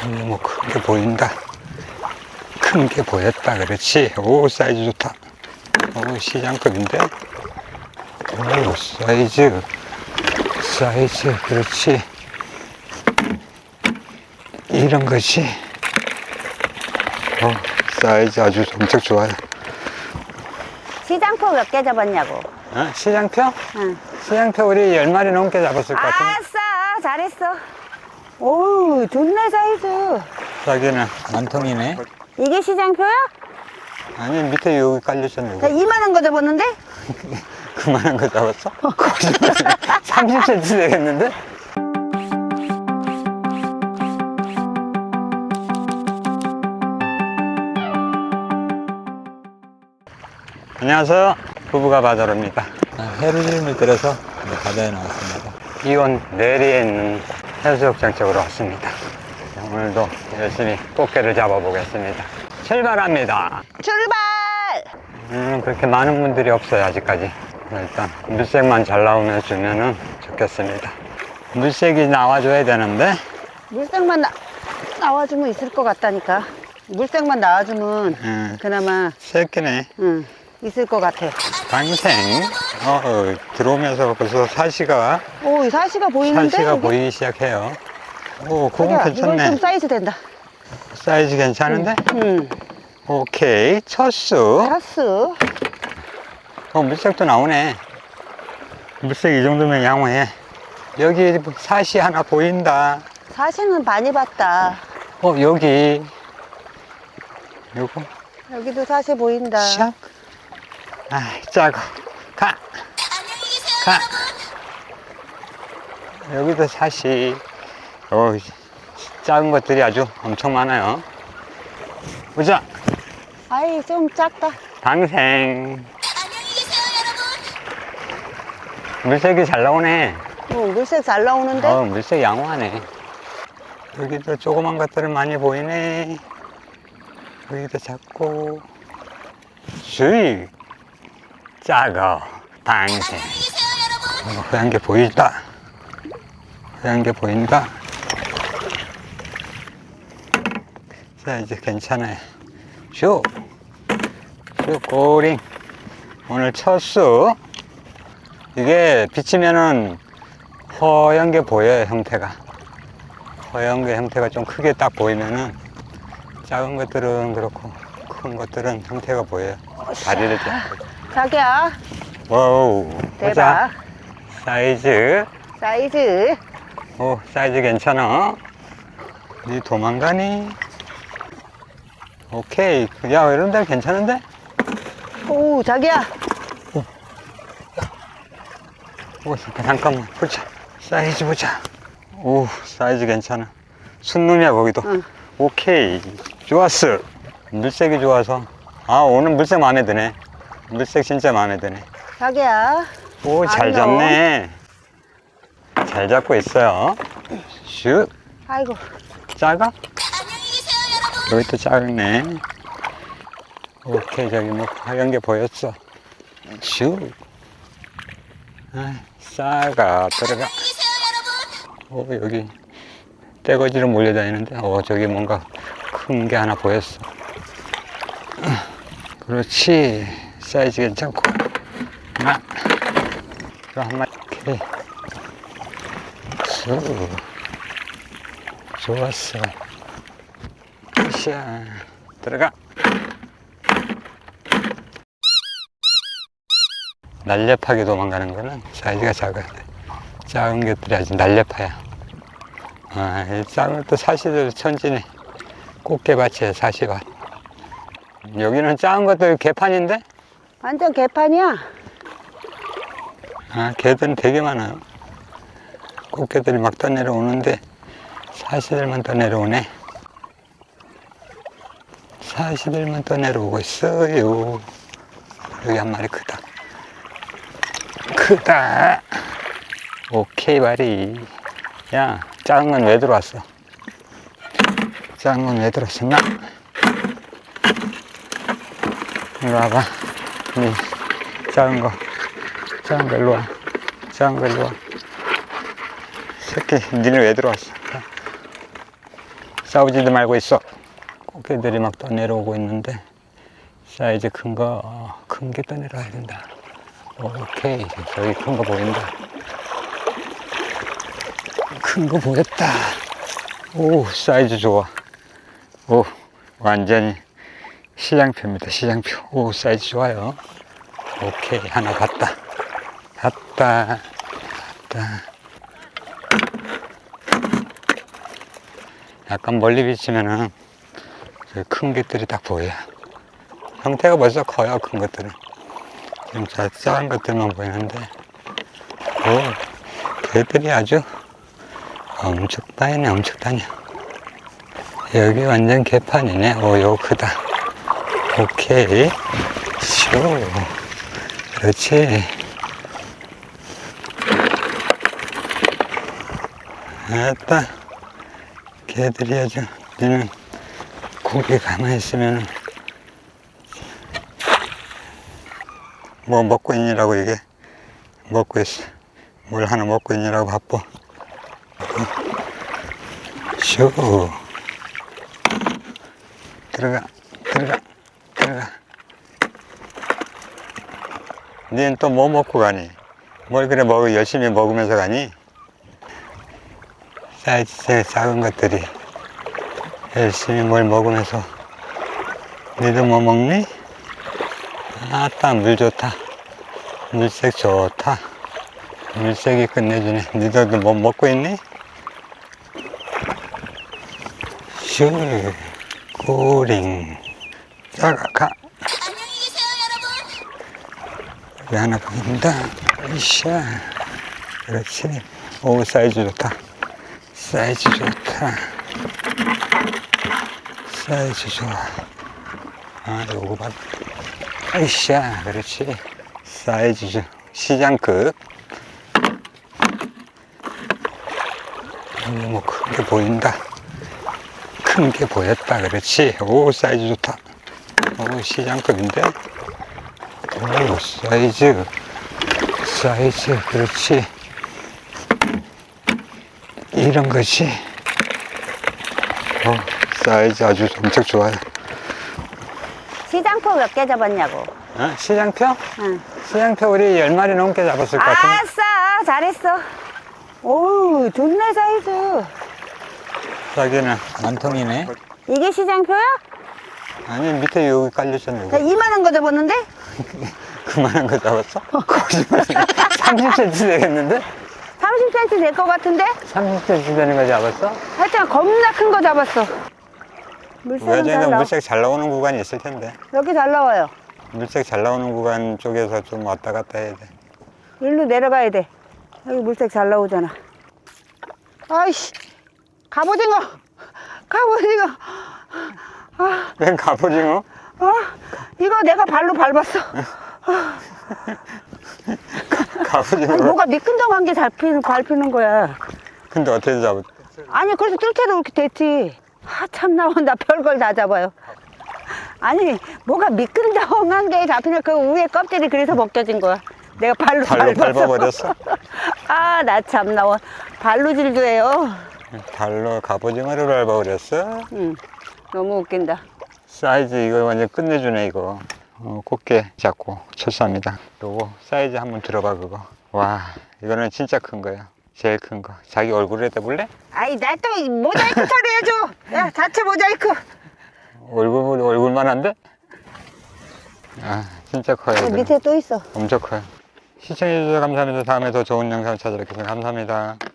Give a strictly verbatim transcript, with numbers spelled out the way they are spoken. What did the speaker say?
뭐 큰 게 보인다. 큰 게 보였다. 그렇지. 오, 사이즈 좋다. 오, 시장급인데. 오, 사이즈. 사이즈. 그렇지. 이런 것이. 어, 사이즈 아주 엄청 좋아요. 시장표 몇 개 잡았냐고. 어? 시장표? 응. 시장표 우리 열 마리 넘게 잡았을 것 같은데. 아싸, 잘했어. 오, 좋네, 사이즈. 자기는 만통이네. 이게 시장표야? 아니, 밑에 여기 깔려있잖아. 나 이만한 거 잡았는데? 그만한 거 잡았어? 거짓말. 삼십 센티미터 되겠는데? 안녕하세요. 부부가 바다로입니다. 해루짐을 들여서 바다에 나왔습니다. 이온 내리에 있는 해수욕장 쪽으로 왔습니다. 오늘도 열심히 꽃게를 잡아보겠습니다. 출발합니다. 출발! 음, 그렇게 많은 분들이 없어요, 아직까지. 일단 물색만 잘 나오면 주면은 좋겠습니다. 물색이 나와줘야 되는데. 물색만 나, 나와주면 있을 것 같다니까. 물색만 나와주면 음, 그나마 새끼네. 응, 있을 것 같아. 방생. 어, 어, 들어오면서 벌써 사시가 오, 이 사시가 보이는데? 사시가 여기? 보이기 시작해요. 오, 그건 자기야, 이건 괜찮네. 좀 사이즈 된다. 사이즈 괜찮은데? 응. 오케이. 첫 수. 차스. 어, 물색도 나오네. 물색 이 정도면 양호해. 여기 사시 하나 보인다. 사시는 많이 봤다. 어, 여기. 요거. 여기도 사시 보인다. 샥. 아, 작아. 가. 가. 여기도 사시. 어, 작은 것들이 아주 엄청 많아요. 보자. 아이, 좀 작다. 방생. 물색이 잘 나오네. 어, 물색 잘 나오는데? 어, 물색 양호하네. 여기도 조그만 것들은 많이 보이네. 여기도 작고. 수익. 작아. 방생. 어, 허연 게 보인다. 허연 게 보인다. 자, 이제 괜찮아요. 슈. 슈, 꼬링. 오늘 첫 수. 이게 비치면은 허연 게 보여요, 형태가. 허연 게 형태가 좀 크게 딱 보이면은 작은 것들은 그렇고 큰 것들은 형태가 보여요. 다리를 잡고. 자기야, 와우. 대박. 보자. 사이즈. 사이즈. 오, 사이즈 괜찮아. 니 도망가니? 오케이. 야, 이런 데 괜찮은데? 오, 자기야. 오, 잠깐만. 보자. 사이즈 보자. 오, 사이즈 괜찮아. 순놈이야, 거기도. 응. 오케이. 좋았어. 물색이 좋아서. 아, 오늘 물색 마음에 드네. 물색 진짜 마음에 드네. 자기야. 오, 잘 안녕. 잡네. 잘 잡고 있어요. 슉. 아이고. 작아? 여기 또 작네. 오케이, 저기 뭐 하얀 게 보였어. 슉. 아, 싸가 들어가. 오, 여기 떼거지로 몰려다니는데, 어, 저기 뭔가 큰 게 하나 보였어. 그렇지. 사이즈 괜찮고. 하나. 이거 한 마리. 오케이. 쑥. 좋았어. 샤. 들어가. 날렵하게 도망가는 거는 사이즈가 작아야 돼. 작은 것들이 아주 날렵해요. 아, 이 작은 것도 사시들 천지네. 꽃게밭이에요, 사시밭. 여기는 작은 것들 개판인데? 완전 개판이야. 아, 개들은 되게 많아요. 꽃게들이 막 떠내려오는데 사시들만 떠내려오네. 사시들만 떠내려오고 있어요. 여기 한 마리 크다. 크다. 오케이, 바리. 야, 작은 건 왜 들어왔어? 작은 건 왜 들어왔었나? 이리 와봐. 이 작은 거. 작은 거 일로 와. 작은 거 일로 와. 새끼, 니네 왜 들어왔어? 싸우지도 말고 있어. 꽃게들이 막 떠내려오고 있는데 사이즈 큰 거, 큰 게 떠내려와야 된다. 오케이, 저기 큰 거 보인다. 큰 거 보였다. 오, 사이즈 좋아. 오, 완전히 시장표입니다. 시장표. 오, 사이즈 좋아요. 오케이, 하나 봤다. 봤다. 봤다. 약간 멀리 비치면은 큰 것들이 딱 보여. 형태가 벌써 커요, 큰 것들은. 지금 자, 작은 것들만 보이는데. 오, 개들이 아주 엄청 다니네, 엄청 다녀. 여기 완전 개판이네. 오, 요거 크다. 오케이. 쇼. 그렇지. 아따. 개들이 아주, 얘는 고기 가만히 있으면 뭐 먹고 있니라고 이게. 먹고 있어. 뭘 하나 먹고 있니라고 바빠. 쇼. 들어가, 들어가, 들어가. 니는 또 뭐 먹고 가니? 뭘 그래 먹 열심히 먹으면서 가니? 사이즈 제일 작은 것들이 열심히 뭘 먹으면서. 니도 뭐 먹니? 아따, 물 좋다. 물색 좋다. 물색이 끝내주네. 니도 뭐 먹고 있니? 슈, 꼬링. 자가, 가. 안녕히 계세요, 여러분. 여기 하나 보인다. 이샤. 그렇지. 오, 사이즈 좋다. 사이즈 좋다. 사이즈 좋아. 아, 요거 봐. 이샤. 그렇지. 사이즈 좋아. 시장급. 여기 뭐 큰 게 보인다. 큰 게 보였다. 그렇지. 오, 사이즈 좋다. 오, 시장급인데. 오, 사이즈. 사이즈. 그렇지. 이런 것이. 어, 사이즈 아주 엄청 좋아요. 시장표 몇 개 잡았냐고. 어? 시장표? 응. 시장표 우리 열 마리 넘게 잡았을 것 같은데. 아싸, 잘했어. 오, 좋네, 사이즈. 자기는 만통이네. 이게 시장표야? 아니, 밑에 여기 깔렸잖아. 나 여기. 이만한 거 잡았는데? 그만한 거 잡았어? 거짓말. 삼십 센티미터 되겠는데? 삼십 센티미터 될 것 같은데? 삼십 센티미터 되는 거 잡았어? 하여튼 겁나 큰 거 잡았어. 물색은 잘 외전에 나와. 물색 잘 나오는 구간이 있을 텐데. 여기 잘 나와요. 물색 잘 나오는 구간 쪽에서 좀 왔다 갔다 해야 돼. 일로 내려가야 돼. 여기 물색 잘 나오잖아. 아이씨, 갑오징어! 갑오징어! 아, 웬 갑오징어? 어? 이거 내가 발로 밟았어. 갑오징어. 아니, 뭐가 미끈덩한 게 밟히는, 밟히는 거야. 근데 어떻게 잡았어? 아니, 그래서 뜰채도 이렇게 됐지. 아, 참, 나온다. 별걸 다 잡아요. 아니, 뭐가 미끈덩한 게 잡히는 그 위에 껍질이 그래서 벗겨진 거야. 내가 발로, 발로 밟아서. 밟아버렸어? 아, 나 참, 나와. 발로 질도 해요. 발로 갑오징어를 밟아버렸어? 응, 너무 웃긴다. 사이즈 이거 완전 끝내주네 이거. 어, 꽃게 잡고 철수합니다. 요거 사이즈 한번 들어봐 그거. 와, 이거는 진짜 큰 거야. 제일 큰 거. 자기 얼굴에 대볼래? 아이, 나 또 모자이크 처리해줘. 야, 자체 모자이크. 얼굴, 얼굴만 한데? 아, 진짜 커요. 야, 이거는. 밑에 또 있어. 엄청 커요. 시청해주셔서 감사합니다. 다음에 더 좋은 영상 찾아뵙겠습니다. 감사합니다.